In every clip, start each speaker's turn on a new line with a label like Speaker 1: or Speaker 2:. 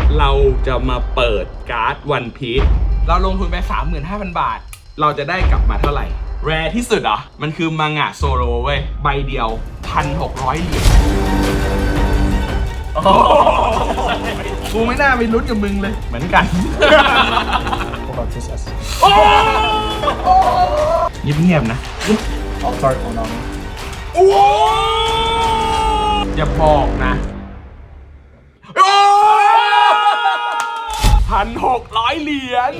Speaker 1: เราจะมาเปิดการ์ดวันพีซเราลงทุนไป 35,000 บาทเราจะได้กลับมาเท่าไหร่แรร์ที่สุดเหรอมันคือมังงะโซโลเว้ยใบเดียว 1,600 เหรียญกูไม่น่าไปลุ้นกับมึงเลยเหมือนกันเงียบๆนะ
Speaker 2: Alt-art Konami
Speaker 1: โอ้อย่าบอกนะ1,600 เหรียญ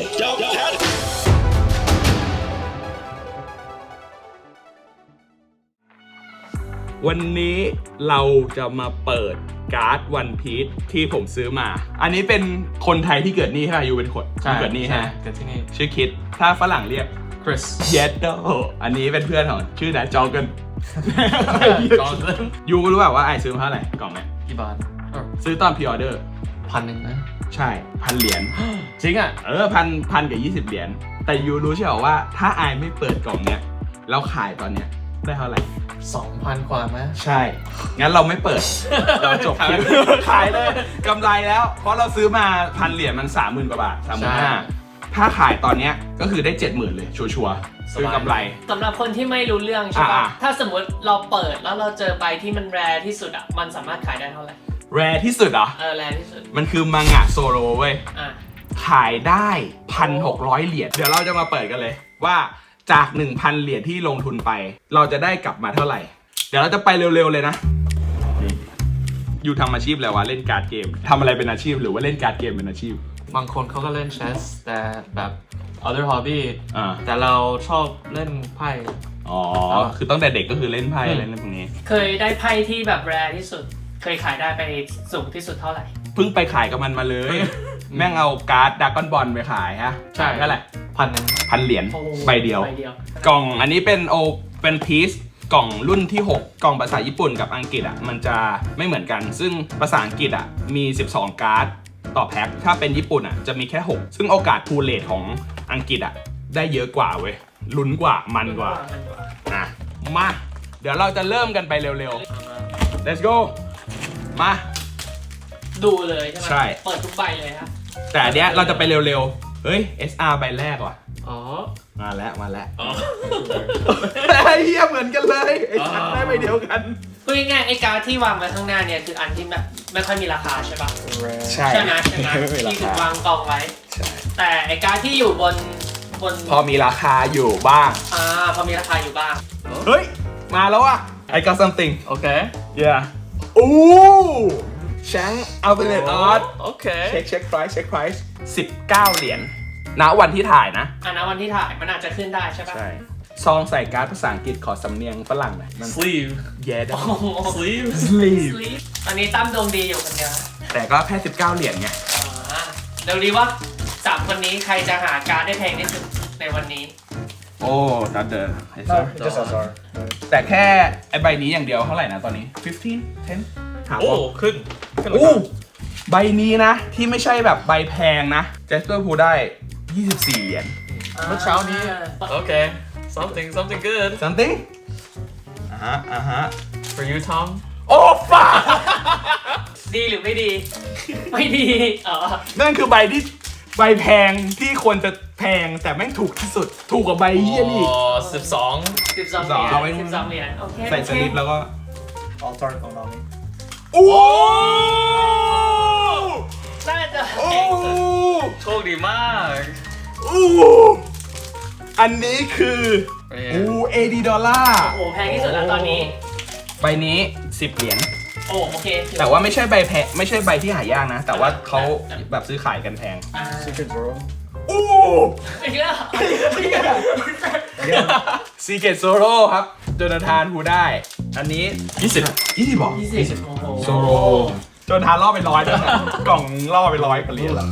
Speaker 1: วันนี้เราจะมาเปิดการ์ดวันพีซที่ผมซื้อมาอันนี้เป็นคนไทยที่เกิดนี่ใช่ไหมยูเป็นคนเกิดนี่ใช่ไหม
Speaker 3: เกิดที่นี่
Speaker 1: ชื่อคิดถ้าฝรั่งเรียก
Speaker 3: Chris
Speaker 1: เยดโดอันนี้เป็นเพื่อนของชื่อนะจอเกินยูรู้เปล่าว่าไอซื้อมาเท่าไหร่กล่องเนี้ย
Speaker 3: กี่บาท
Speaker 1: ซื้อตอนพรีออเดอร์
Speaker 3: 1,000นะ
Speaker 1: ใช่1,000 เหรียญ
Speaker 3: จริงอ่ะ
Speaker 1: พันกับ20 เหรียญแต่ยูรู้ใช่ไหมว่าถ้าไอไม่เปิดกล่องเนี้ยแล้วขายตอนเนี้ยได้เท่าไหร่
Speaker 3: 2,000 กว่าไหม
Speaker 1: ใช่งั้นเราไม่เปิด เราจบคลิปขายเลยกำไรแล้วเพราะเราซื้อมา1,000 เหรียญมัน 30,000 กว่าบาท 35,000ถ้าขายตอนเนี้ยก็คือได้ 70,000 เลยชัวร์ๆซื้อกำไร
Speaker 4: สำหรับคนที่ไม่รู้เรื่องใช่ปะถ้าสมมติเราเปิดแล้วเราเจอใบที่มันแรร์ที่สุดอ่ะมันสามารถขายได้เท่าไหร่
Speaker 1: แรร์ที่สุดเหรอ
Speaker 4: แรร์ที่สุด
Speaker 1: มันคือมังงะโซโลเว้ยขายได้ 1,600 เหรียญเดี๋ยวเราจะมาเปิดกันเลยว่าจาก 1,000 เหรียญที่ลงทุนไปเราจะได้กลับมาเท่าไหร่เดี๋ยวเราจะไปเร็วๆเลยนะอยู่ทำอาชีพอะไรวะเล่นการ์ดเกมทำอะไรเป็นอาชีพหรือว่าเล่นการ์ดเกมเป็นอาชีพ
Speaker 3: บางคนเขาก็เล่นเชสแต่แบบ other hobby แต่เราชอบเล่นไพ่
Speaker 1: อ๋อคือตั้งแต่เด็กก็คือเล่นไพ่เล่นพวกนี้
Speaker 4: เคยได้ไพ่ที่แบบแรร์ที่สุดเคยขายได้ไปสูงที่สุดเท่าไหร่
Speaker 1: เพิ่งไปขายกับมันมาเลย แม่งเอาการ์ดดราก้อนบอลไปขายฮะ
Speaker 3: ใช่
Speaker 1: เท่าไหร่1,000 เหรียญใบเดียวกล่องอันนี้เป็นพีซกล่องรุ่นที่ 6 กล่องภาษาญี่ปุ่นกับอังกฤษอ่ะมันจะไม่เหมือนกันซึ่งภาษาอังกฤษอ่ะมี12 การ์ดต่อแพ็คถ้าเป็นญี่ปุ่นอ่ะจะมีแค่6ซึ่งโอกาสพูลเลทของอังกฤษอ่ะได้เยอะกว่าเว้ยลุ้นกว่ามันกว่ามาเดี๋ยวเราจะเริ่มกันไปเร็วๆ let's go มา
Speaker 4: ดูเลยใช่ไหม
Speaker 1: ใช่
Speaker 4: เปิดทุกใบเลยครับ
Speaker 1: แต่อันเนี้ยเราจะไปเร็วๆเฮ้ย SR ใบแรกว่ะมาแล้วไอ้เหี้ยเหมือนกันเลยไอ้ชัดได้ใบเดียวกัน
Speaker 4: พูดง่ายๆไอ้การ์ดที่วางไว้ข้างหน้าเนี่ยคืออันที่แบบไม่ค่อยมีราคาใช่ปะใช่ไหมที่ถูกวางกองไว้แต่ไอ้การ์ดที่อยู่บน
Speaker 1: พอมีราคาอยู่บ้าง
Speaker 4: พอมีราคาอยู่บ้าง
Speaker 1: เฮ้ยมาแล้วอ่ะ I got something
Speaker 3: โอเค
Speaker 1: yeah อู้แชงอัลเทอร์เนทอาร์ต
Speaker 3: โอเค
Speaker 1: เช็ค price 19 เหรียญณวันที่ถ่ายนะ
Speaker 4: ณวันที่ถ่ายมันอาจจะขึ้นได้ใช่ปะ
Speaker 1: ใช่ซองใส่การ์ดภาษาอังกฤษขอสำเนียงฝรั่งหน่อย
Speaker 3: sleeve
Speaker 1: yeah
Speaker 3: sleeve
Speaker 4: ตอนนี้ตั้มดวงดีอยู่คนเดียว
Speaker 1: แต่ก็แค่19 เหรียญไง
Speaker 4: เดี๋ยวดีว่า3คนนี้ใครจะหาการ์ดได้แพงที่สุดในวันนี้
Speaker 1: โอ้ดัดเดอร์แต่แค่ไอใบนี้อย่างเดียวเท่าไหร่นะตอนนี้15 10
Speaker 3: โอ้ขึ้น
Speaker 1: ใบนี้นะที่ไม่ใช่แบบใบแพงนะเจสเปอร์พูได้24 เหรียญ
Speaker 3: เมื่อเช้านี้โอเค something good
Speaker 1: something
Speaker 3: for you Tom
Speaker 1: โอ้ฟ้า
Speaker 4: ดีหรือไม่ดีไม่ดี
Speaker 1: นั่นคือใบแพงที่ควรจะแพงแต่แม่งถูกที่สุดถูกกว่าใบเยี่ยนี่
Speaker 3: 12
Speaker 4: เอาไว้12 เหรียญโอเค
Speaker 1: ใส่สลิปแล้วก็
Speaker 2: Alt-art Konami
Speaker 1: โอ้
Speaker 4: น่าจะ
Speaker 3: โชคดีมาก
Speaker 1: อันนี้คือ$80
Speaker 4: โอ้แพงที่สุดแล้วตอนนี้
Speaker 1: ใบนี้10 เหรียญ
Speaker 4: โอเค
Speaker 1: แต่ว่าไม่ใช่ใบแพงไม่ใช่ใบที่หายากนะแต่ว่าเขาแบบซื้อขายกันแพง
Speaker 2: Secret Zoro
Speaker 4: อีกแล้ว
Speaker 1: Secret Zoro ครับโจนาธานฮูได้อันนี้20บอก
Speaker 4: 20
Speaker 1: โซโรโจนาธานล่อไป100แล้วนะกล่องล่อไป100กันเหรียญแล้ว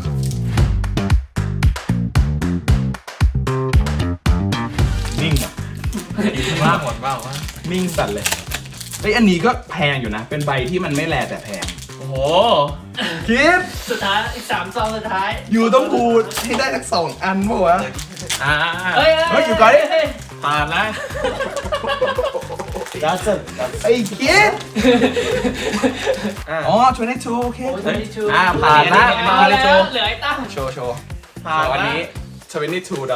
Speaker 1: นิ่งอ่ะ
Speaker 3: ว่างหมดว่า
Speaker 1: นิ่งสั่นเลยไอ้อันนี้ก็แพงอยู่นะเป็นใบที่มันไม่แลแต่แพง
Speaker 3: โอ้โห
Speaker 1: คิด
Speaker 4: สุดท้ายอีก3 ซองสุดท้าย
Speaker 1: อยู่ต้องพูดให้ได้สัก2 อันป่ะวะ
Speaker 4: เฮ้ย
Speaker 1: อยู่ก่อน
Speaker 3: ผ่านแล้ว
Speaker 2: That's a. That's
Speaker 1: ไอ้คิดอ๋อ22โอเค
Speaker 4: โอ้ย22
Speaker 3: ผ่านละ
Speaker 4: มา
Speaker 3: มาเล
Speaker 4: แล้
Speaker 3: ยว โจ
Speaker 4: เหลือไอ้ตั้ง
Speaker 1: โชว์
Speaker 3: ผ่าน
Speaker 1: วัน
Speaker 3: ละ
Speaker 1: นี้$22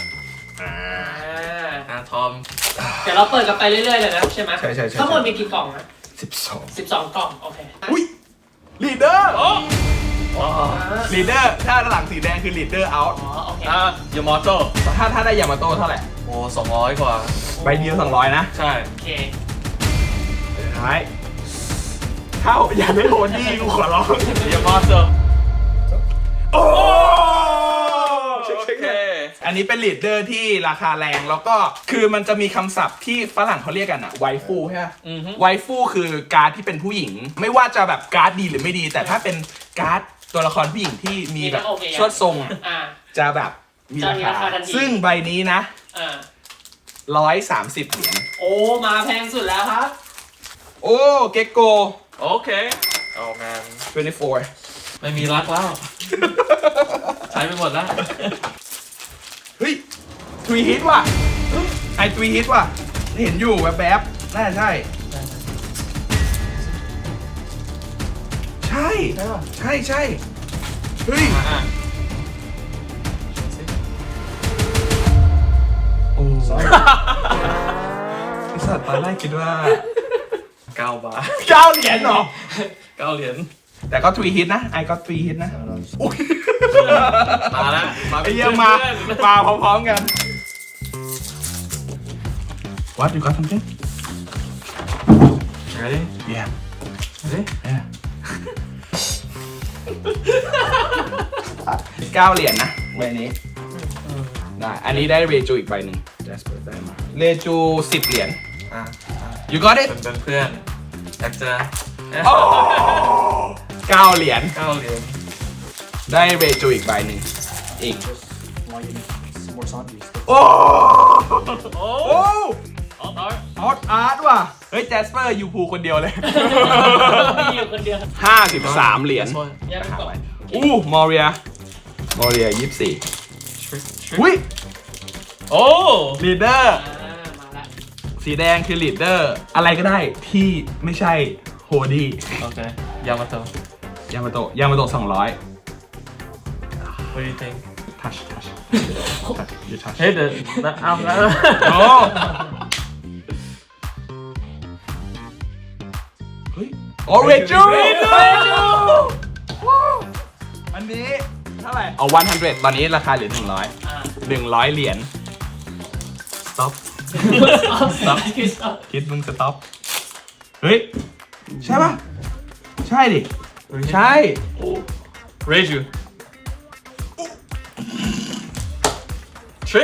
Speaker 3: ทอม
Speaker 4: เดี๋ยวเราเปิดกันไปเรื่อยๆเลยนะใช่ไหม
Speaker 1: ใช่
Speaker 4: ทั้งหมดมีกี่กล่องนะ
Speaker 1: 12
Speaker 4: 12 กล่อง โอเค
Speaker 1: อุ้ยลีดเดอร์
Speaker 3: อ๋อ
Speaker 1: ลีดเดอร์ถ้าหลังสีแดงคือลีดเดอร์เอาท์
Speaker 4: อ๋อ โอเค
Speaker 3: ยามอโต้
Speaker 1: ถ้าได้ยามาโต้เท่าไหร่
Speaker 3: โอ้200 กว่า
Speaker 1: ใบเดียว200นะ
Speaker 3: ใช่
Speaker 4: โอเค
Speaker 1: ท้ายเข้าอย่าได้โหดดีกูขอร้อง
Speaker 3: ยามอโต้
Speaker 1: โอ้
Speaker 3: โอเค
Speaker 1: อันนี้เป็นลีดเดอร์ที่ราคาแรงแล้วก็คือมันจะมีคำศัพท์ที่ฝรั่งเขาเรียกกันอะไวฟูใช่ไหมไวฟูคือการ์ดที่เป็นผู้หญิง ไม่ว่าจะแบบการ์ดดีหรือไม่ดี แต่ถ้าเป็นการ์ดตัวละครผู้หญิงที่มีแบบชวดทรงอะ
Speaker 4: อ่า
Speaker 1: จะแบบมีรา
Speaker 4: จะมีรา
Speaker 1: คา
Speaker 4: คาทันที
Speaker 1: ซึ่งใบนี้นะ
Speaker 4: อ่า
Speaker 1: 130 เหรียญ
Speaker 4: โอ้ มาแพงสุดแล้วครับ
Speaker 1: โอ้เกโก
Speaker 3: โอเคโอ้แมน
Speaker 1: 24
Speaker 3: ไม่มีรักแล้ว ใช้ไปหมดแล้ว
Speaker 1: เฮ้ยทวีฮิตว่ะไอทวีฮิตว่ะเห็นอยู่แบบๆน่าใช่ ใช่ใช่เฮ้ยโอ้ไอสัตว์ตอนแรกคิดว่า
Speaker 3: 9 บาท
Speaker 1: 9 เหรียญเหรอ
Speaker 3: 9 เหรียญ
Speaker 1: แต่ก็ทวีฮิตนะไอก็ทวีฮิตนะอุ้ย
Speaker 3: มาแล้ว
Speaker 1: ไอเยี่ยมมาพร้อมๆกัน What you got something?
Speaker 3: Ready?
Speaker 1: Yeah.
Speaker 3: Ready?
Speaker 1: Yeah. 9 เหรียญนะใบนี้ได้ อันนี้ได้เรจูอีกใบหนึ่ง Jasper ได้มาเรจู10 เหรียญ You got it?
Speaker 3: เป็นเพื่อนอยากจะ
Speaker 1: โอ้9 เหรียญ
Speaker 3: 9 เหรียญ
Speaker 1: ได้เรจูอีกใบหนึ่งอีก
Speaker 2: just want you some more zombies.
Speaker 1: โอ้
Speaker 3: โอ้
Speaker 1: โอ้
Speaker 3: ออร์
Speaker 1: ฮอตอาร์ตว่ะ เฮ้ย Jasper อยู่ภูคนเดียวเลย
Speaker 4: มีอยู่คนเดียว
Speaker 1: 53 เหรียญ
Speaker 4: ยังไม่กล่อง
Speaker 1: อู้มอเรีย24อุ้ย
Speaker 3: โอ้
Speaker 1: ลีดเดอร์
Speaker 4: มาละ
Speaker 1: สีแดงคือลีดเดอร์ อะไรก็ได้ที่ไม่ใช่โฮดี้
Speaker 3: โอเคยามาโต
Speaker 1: ยามาโตะ200
Speaker 3: What do you think?
Speaker 1: touch you touch
Speaker 3: เฮ้ยเดี๋ยวเอาแล้ว
Speaker 1: โอ้เฮ้ยโอเรจูอันนี้เท่าไหร่เอา100 ตอนนี้ราคาเหลือ100 100 เหรียญ stop คิดมึง stop เฮ้ย ใช่ป่ะ ใช่ดิ ใช่
Speaker 3: Raise you Trick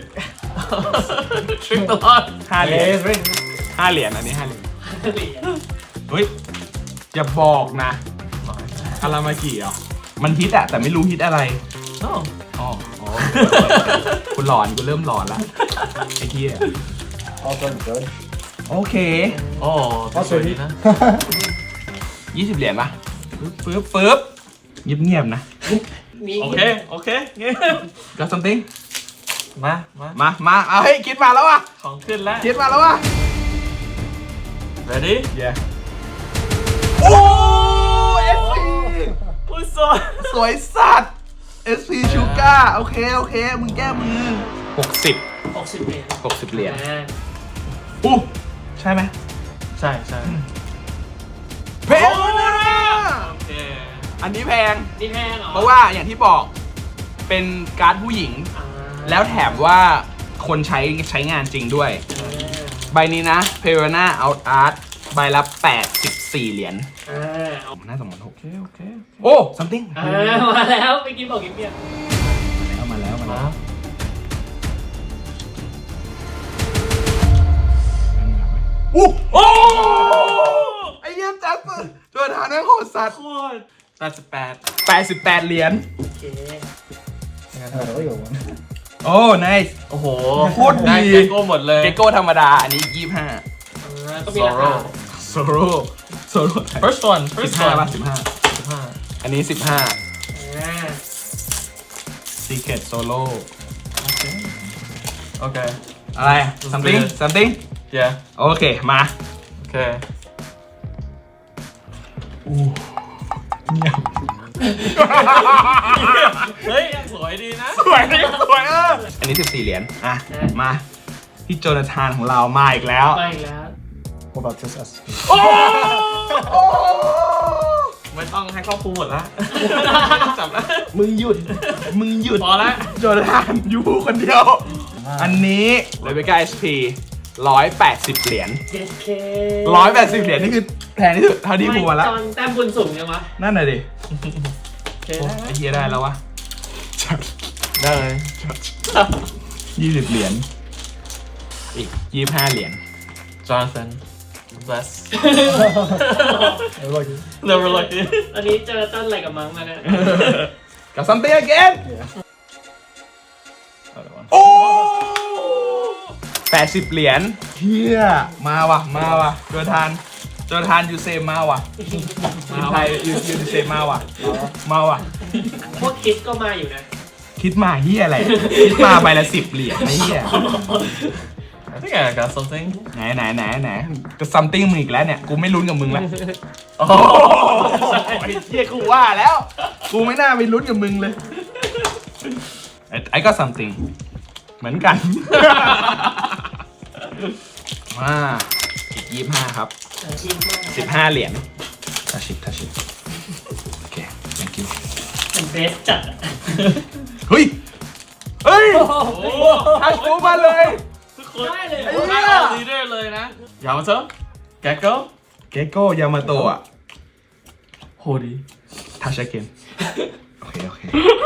Speaker 3: ตลอด
Speaker 1: 5 เหรียญ5 เหรียญอันนี้5 เหรียญเฮ้ย อย่าบอกนะอารามากิเหรอมันฮิตอะแต่ไม่รู้ฮิตอะไร
Speaker 3: No
Speaker 1: อ๋อคุณหลอนกูเริ่มหลอนละไอ้เหี้ย
Speaker 2: All turn good.
Speaker 1: โอเค
Speaker 3: โอ้สวยดีนะ
Speaker 1: 20 เหรียญป่ะปึ๊บเงียบๆนะ
Speaker 3: โอเคงี้
Speaker 1: Got something
Speaker 3: มา
Speaker 1: เอาเฮ้ยคิดมาแล้วว่ะ
Speaker 3: ของขึ้นแล้ว
Speaker 1: คิดมาแล้วว่ะ
Speaker 3: Ready?
Speaker 1: Yeah โอ้ SP
Speaker 3: อุ้ยสวย
Speaker 1: สวยสัตว์ SP ชูก้าโอเคมึงแก้มือ60
Speaker 4: 60 เหรียญ
Speaker 1: 60 เหรียญ
Speaker 4: อ่า
Speaker 1: อู้ใช่ไหม
Speaker 3: ใช่
Speaker 1: แพงนะ
Speaker 3: โอเค
Speaker 1: อันนี้แพง
Speaker 4: นี่แพงเหรอ
Speaker 1: เพราะว่าอย่างที่บอกเป็นการ์ดผู้หญิง
Speaker 4: อ่า
Speaker 1: แล้วแถมว่าคนใช้งานจริงด้วย ใบนี้นะ p e r o n a Out Art ใบละ84 เหรียญ
Speaker 4: เอา
Speaker 1: น่าสมมติโอเคโอ้ something
Speaker 4: มาแล้วไปกินบอกกินเบียร์
Speaker 1: มาแล้ว
Speaker 3: มา
Speaker 1: อู้โอ้ไอ้เยี่ยมจัสเปอร์ตัวฐานแม่งโหดสัตว์
Speaker 3: โคตร88
Speaker 1: 88 เหรียญ
Speaker 4: โอเค
Speaker 2: Really good one.
Speaker 1: โอ้ nice
Speaker 3: โอ้โห
Speaker 1: โคตรดี
Speaker 3: ได้เกโก้หมดเลย
Speaker 1: เกโก้ธรรมดา อันนี้
Speaker 4: ก็มีราคา
Speaker 3: Sorrow
Speaker 1: 25 Solo
Speaker 3: First one
Speaker 1: 15ป่ะ
Speaker 3: 15
Speaker 1: อันนี้
Speaker 4: อ่า
Speaker 1: 15 Secret Solo
Speaker 3: โอเค
Speaker 1: อะไร something
Speaker 3: yeah
Speaker 1: โอเค มา
Speaker 3: okay เฮ้ย สวยดีนะ
Speaker 1: สวยสวยอันนี้14เหรียญอ่ะ มาพี่โจนาธานของเรามาอีกแล้ว
Speaker 4: ไม่แล้ว
Speaker 2: What about this S?
Speaker 1: โอ้โอ้
Speaker 3: ไม่ต้องให้ครอบคลุมหมดละจับแล้ว
Speaker 1: มึงหยุด
Speaker 3: พอละ
Speaker 1: โจนาธานอยู่คนเดียว อันนี้เลเบก้า SP 180 เหรียญ
Speaker 4: JK
Speaker 1: 180 เหรียญนี่คือแพงที่สุดเท่าที่พูดมาแล้ว
Speaker 4: จอนแต้มบุญสูงยังวะ
Speaker 1: นั่นน่ะดิ
Speaker 4: โอเค
Speaker 1: โอ้ไอ้เหี้ยได้แล้ววะ
Speaker 3: ได้เลย
Speaker 1: 20 เหรียญ อีก 25 เหรียญ
Speaker 3: Jonathan bless
Speaker 2: I like it.
Speaker 3: never like it
Speaker 4: อันนี้เจอต้นอะไรกับมั้งมาเนี่ย
Speaker 1: กับ something again
Speaker 2: Yeah.
Speaker 1: โอ้ 80 เหรียญเฮียมาว่ะโจทานยูเซมมาว่ะทีมไทยยูเซมมาว่ะ
Speaker 4: พวกคิดก็มาอยู่นะ
Speaker 1: คิดมาเฮียอะไรคิดมาใบละ10 เหรียญไอ้เฮีย
Speaker 3: I think I got something
Speaker 1: ไหนก็ something มึงอีกแล้วเนี่ย กูไม่ลุ้นกับมึงแล้ว
Speaker 3: โอ้
Speaker 1: ไอ้เฮียกูว่าแล้ว กูไม่น่าไปลุ้นกับมึงเลย ไอ้ก็ something เหมือนกัน มาอีก25 ครับ 15 เหรียญทัชชิโอเค thank you
Speaker 4: เป็นเบสจัดอะ
Speaker 1: เฮ้ยทัชฟูมาเลย
Speaker 3: ทุกคน
Speaker 4: ได้เลย
Speaker 1: ไอ้เหี้
Speaker 3: มาย เอาลีดเดอร์เลยนะยามาเถอะแกโก้
Speaker 1: เกโก้ยามาโตะ
Speaker 3: โหดี
Speaker 1: ทัชเกนโอเค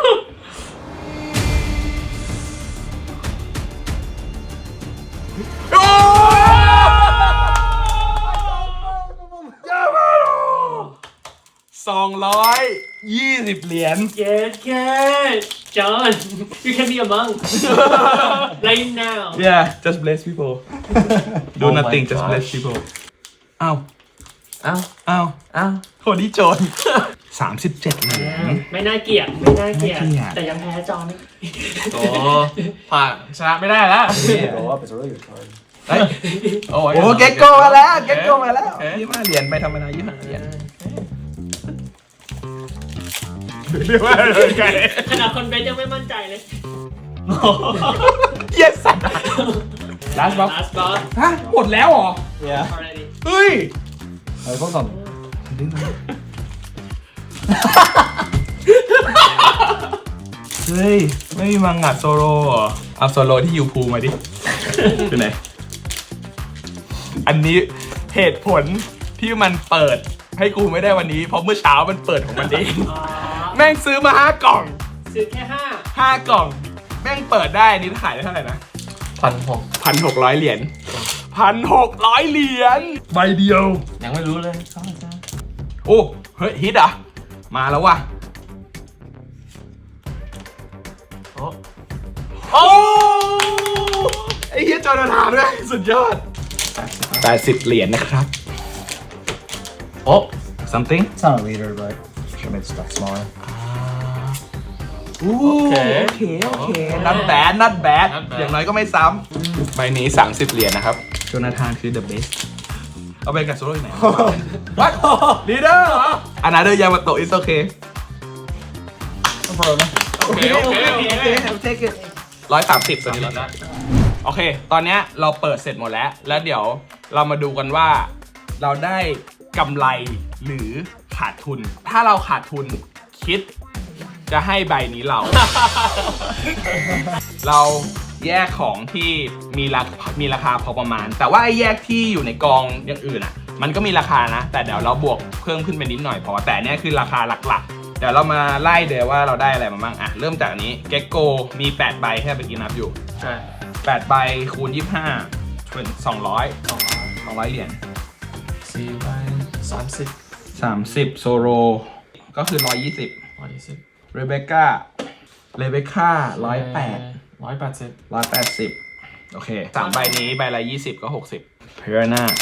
Speaker 1: โอ้ยามาโต220 เหรียญ
Speaker 4: JK John you can be a monk right now
Speaker 1: Yeah just bless people do
Speaker 3: Oh my
Speaker 1: nothing just bless
Speaker 3: gosh.
Speaker 1: people อ้าว
Speaker 3: อ้าว
Speaker 1: อ้าว
Speaker 3: อ้าว
Speaker 1: โหนี่โจร37 เหรียญ
Speaker 4: ไม่น่าเกลียดแต่ยังแพ้จอน
Speaker 3: โอ้ผ่านชนะไม่ได้แล้ว
Speaker 2: Go up, it's a really good card.
Speaker 1: เฮ้ย
Speaker 3: โอ้
Speaker 1: โอ้เก็กโกมาแล้ว25 เหรียญไปธรรมดา25 เหรียญเรียกว่าอะไรกัน
Speaker 4: ขนาดคนเบสยังไม่มั่นใจเลย
Speaker 1: Yes สัตว์ Last box
Speaker 4: last boss
Speaker 1: ฮะหมดแล้วเหรอ
Speaker 2: Yeah.
Speaker 4: already
Speaker 1: เฮ้ย
Speaker 2: I focus on.
Speaker 1: เฮ้ย ไม่มีมังงะโซโลเหรอ เอาโซโลที่ยูพูมาดิเป็นไหน อันนี้เหตุผลที่มันเปิดให้กูไม่ได้วันนี้ เพราะเมื่อเช้ามันเปิดของมันเอง
Speaker 4: อ๋อ
Speaker 1: แม่งซื้อมา5 กล่อง
Speaker 4: ซื้อแค่
Speaker 1: 5 กล่อง แม่งเปิดได้อันนี้ขายได้เท่าไหร่นะ 1,600 เหรียญ 1,600 เหรียญใบเดียว
Speaker 3: ยังไม่รู้เลยเข้ามาจ้า
Speaker 1: โอ้ เฮ้ย ฮิตอ่ะ มาแล้วว่ะ
Speaker 3: โอ้
Speaker 1: โอ้ ไอ้เฮียจอนาธานด้วยสุดยอด 80 เหรียญนะครับ
Speaker 3: โอ้
Speaker 1: something
Speaker 2: It's not a leader, but should make stuff smaller.
Speaker 1: โอเค not bad not bad อย่างน้อยก็ไม่ซ้ำใบนี้ 30 เหรียญนะครับจอนาธานคือ the best เอาไปกับโซโล่ที่ไหน What leader another Yamato is okay
Speaker 2: No problem.
Speaker 3: โอเคโอเคโอเค
Speaker 1: take it 130ตัวนี้เราได้โอเค ตอนเนี้ยเราเปิดเสร็จหมดแล้ว แล้วเดี๋ยวเรามาดูกันว่าเราได้กำไรหรือขาดทุน ถ้าเราขาดทุนคิดจะให้ใบนี้เรา เราแยกของที่มีราคาพอประมาณ แต่ว่าไอ้แยกที่อยู่ในกองอย่างอื่นอ่ะ มันก็มีราคานะ แต่เดี๋ยวเราบวกเพิ่มขึ้นไปนิดหน่อยพอ แต่เนี้ยคือราคาหลักๆ เดี๋ยวเรามาไล่เดี๋ยวว่าเราได้อะไรมาบ้างอ่ะเริ่มจากอันนี้เก็กโกมี8 ใบแค่เมื่อกี้นับอยู่
Speaker 3: ใช่
Speaker 1: 8 ใบคูณ 25เป็น200 เหรียญ
Speaker 3: 4 ใบ
Speaker 1: 30โซโรก็คือ 120
Speaker 3: 120
Speaker 1: เรเบคก้า108 180 โอเค3 ใบนี้ใบละ20ก็60เพราน่า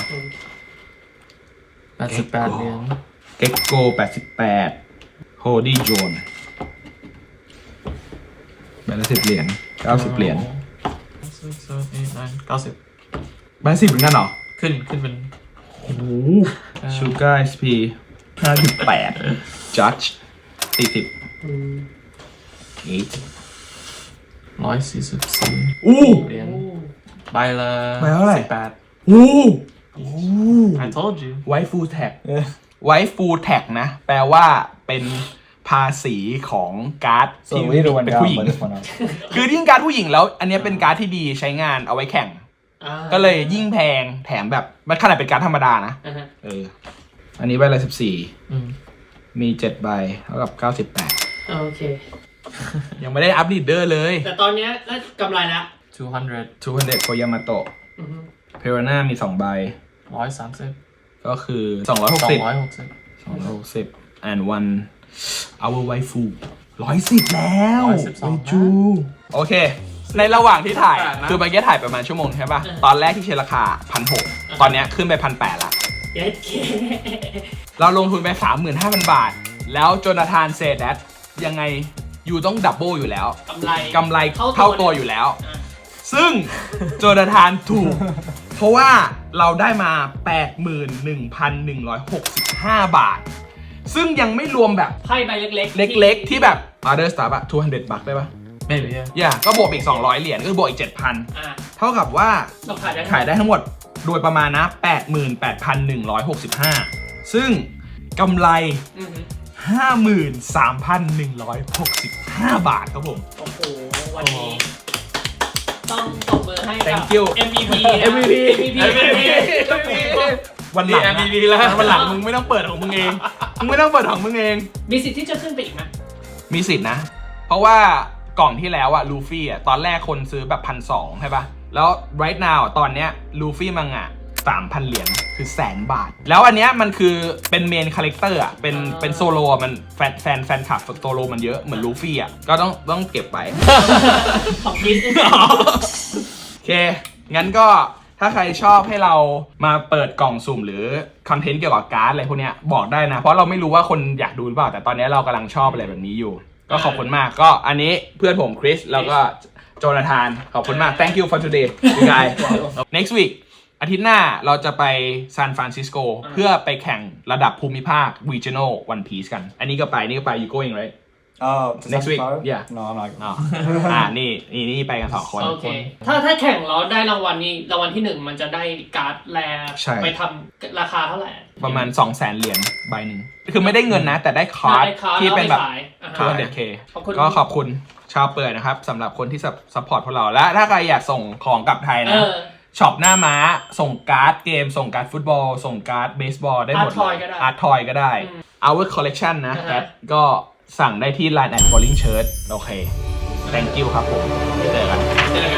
Speaker 3: 88 เหรียญ
Speaker 1: เก็กโก88โฮดี้โจนใบละ10 เหรียญ90 เหรียญ
Speaker 3: 6 7 8 9 90
Speaker 1: ใบ10เหมือนกันเหรอ
Speaker 3: ขึ้นเป็น
Speaker 1: โอ้โห Sugar SP 5.8 Judge 40
Speaker 3: 144
Speaker 1: อู้
Speaker 3: เหรียญใบละ
Speaker 1: ใบเท่าไหร่
Speaker 3: 18
Speaker 1: อู้
Speaker 3: I told you
Speaker 1: White Full Tag
Speaker 2: Yeah.
Speaker 1: White Full Tag นะ แปลว่าเป็นภาษีของการ์ด
Speaker 2: So
Speaker 1: ที่
Speaker 2: the leader went
Speaker 1: เป็น
Speaker 2: down,
Speaker 1: ผู้หญิง
Speaker 2: but this went up.
Speaker 1: คือยิ่งการ์ดผู้หญิงแล้ว อันเนี้ยเป็นการ์ดที่ดีใช้งานเอาไว้แข่ง ก็เลยยิ่งแพงแถมแบบมันขนาดเป็นการ์ดธรรมดานะ อันนี้ใบละ14 มี 7 ใบเท่ากับ 98
Speaker 4: โอเค
Speaker 1: ยังไม่ได้อัพลีดเดอร์เลย
Speaker 4: แต่ตอนเนี้ยน่ากำไรละ
Speaker 3: 200
Speaker 1: 200 โคยามาโตะเพโรน่ามี 2 ใบ
Speaker 3: 130
Speaker 1: ก็คือ 260 and one our waifu 110 แล้ว
Speaker 3: 112
Speaker 1: เวจูโอเค ในระหว่างที่ถ่าย คือเมื่อกี้ถ่ายประมาณชั่วโมงใช่ป่ะ ตอนแรกที่เชนราคา 1,600 ตอนเนี้ยขึ้นไป 1,800 ละ
Speaker 4: เย็ดเค
Speaker 1: เราลงทุนไป 35,000 บาท แล้วโจนาธานเซดัตยังไงอยู่ต้องดับเบิลอยู่แล้ว กำไรเท่าตัวอยู่แล้ว ซึ่งโจนาธานถูก เพราะว่าเราได้มา 81,165 บาท ซึ่งยังไม่รวมแบบ
Speaker 4: ไพ่ใบเล็กๆ
Speaker 1: เล็กๆ ที่แบบ other stuff อะ200 บัคได้ปะ
Speaker 3: maybe yeah
Speaker 1: อย่าก็บวกอีก 200 เหรียญก็บวกอีก 7,000 เท่ากับว่า
Speaker 4: เราขายได้
Speaker 1: ทั้งหมดโดยประมาณนะ 88,165 ซึ่งกำไร 53,165 บาทครับผม
Speaker 4: โอ้โห วันนี้ ต้องตบมือให้กับ
Speaker 1: Thank you
Speaker 4: MVP
Speaker 1: MVP
Speaker 4: MVP
Speaker 1: วันหลัง
Speaker 3: MVP แล้ว
Speaker 1: วันหลังมึงไม่ต้องเปิดของมึงเอง มึงไม่ต้องเปิดของมึงเอง
Speaker 4: มีสิทธิ์ที่จะขึ้นไปอีกไหม
Speaker 1: มีสิทธินะ เพราะว่ากล่องที่แล้วอะลูฟี่อะตอนแรกคนซื้อแบบ 1,200 ใช่ปะแล้ว right now อะตอนเนี้ยลูฟี่มังอะ 3,000 เหรียญคือ100,000 บาท แล้วอันเนี้ยมันคือเป็นเมนคาแรคเตอร์อะเป็นโซโลมันแฟนคลับโซโลมันเยอะเหมือนลูฟี่อะก็ต้องเก็บไป
Speaker 4: ของกิน
Speaker 1: โอเค งั้นก็ถ้าใครชอบให้เรามาเปิดกล่องสุ่มหรือคอนเทนต์เกี่ยวกับการ์ดอะไรพวกเนี้ยบอกได้นะ เพราะเราไม่รู้ว่าคนอยากดูหรือเปล่า แต่ตอนนี้เรากำลังชอบอะไรแบบนี้อยู่ ก็ขอบคุณมาก ก็อันนี้เพื่อนผมคริสแล้วก็โจนาธาน ขอบคุณมาก thank you for today you guys next week อาทิตย์หน้าเราจะไปซานฟรานซิสโกเพื่อไปแข่งระดับภูมิภาค regional one piece กัน อันนี้ก็ไป นี่ก็ไป you going right
Speaker 2: Oh,
Speaker 1: Next week? Yeah.
Speaker 2: No, I'm not.
Speaker 1: อ๋อนี่ไปกัน2 คน
Speaker 4: โอเค ถ้าแข่งแล้วได้รางวัลนี้รางวัลที่ 1 มันจะได้การ์ดแล
Speaker 1: ใช่
Speaker 4: ไปทำราคาเท่าไหร่
Speaker 1: ประมาณ 200,000 เหรียญใบหนึ่งคือไม่ได้เงินนะ แต่ได้คาร์ด
Speaker 4: ได้การ์ด
Speaker 1: ที่เป็นแบบ
Speaker 4: แล้วอาไปขาย
Speaker 1: 200K
Speaker 4: ขอบคุณ
Speaker 1: ก็ขอบคุณชาวเปิดนะครับสำหรับคนที่ซัพพอร์ตพวกเราและถ้าใครอยากส่งของกลับไทยนะช็อปหน้าม้าส่งการ์ดเกมส่งการ์ดฟุตบอลส่งการ์ดเบสบอลได้หมดเลยอาร์ตทอยก็ได้ Our Collection นะก็สั่งได้ที่ Line at Bowling Shirt โอเค thank you ครับผมเจอกัน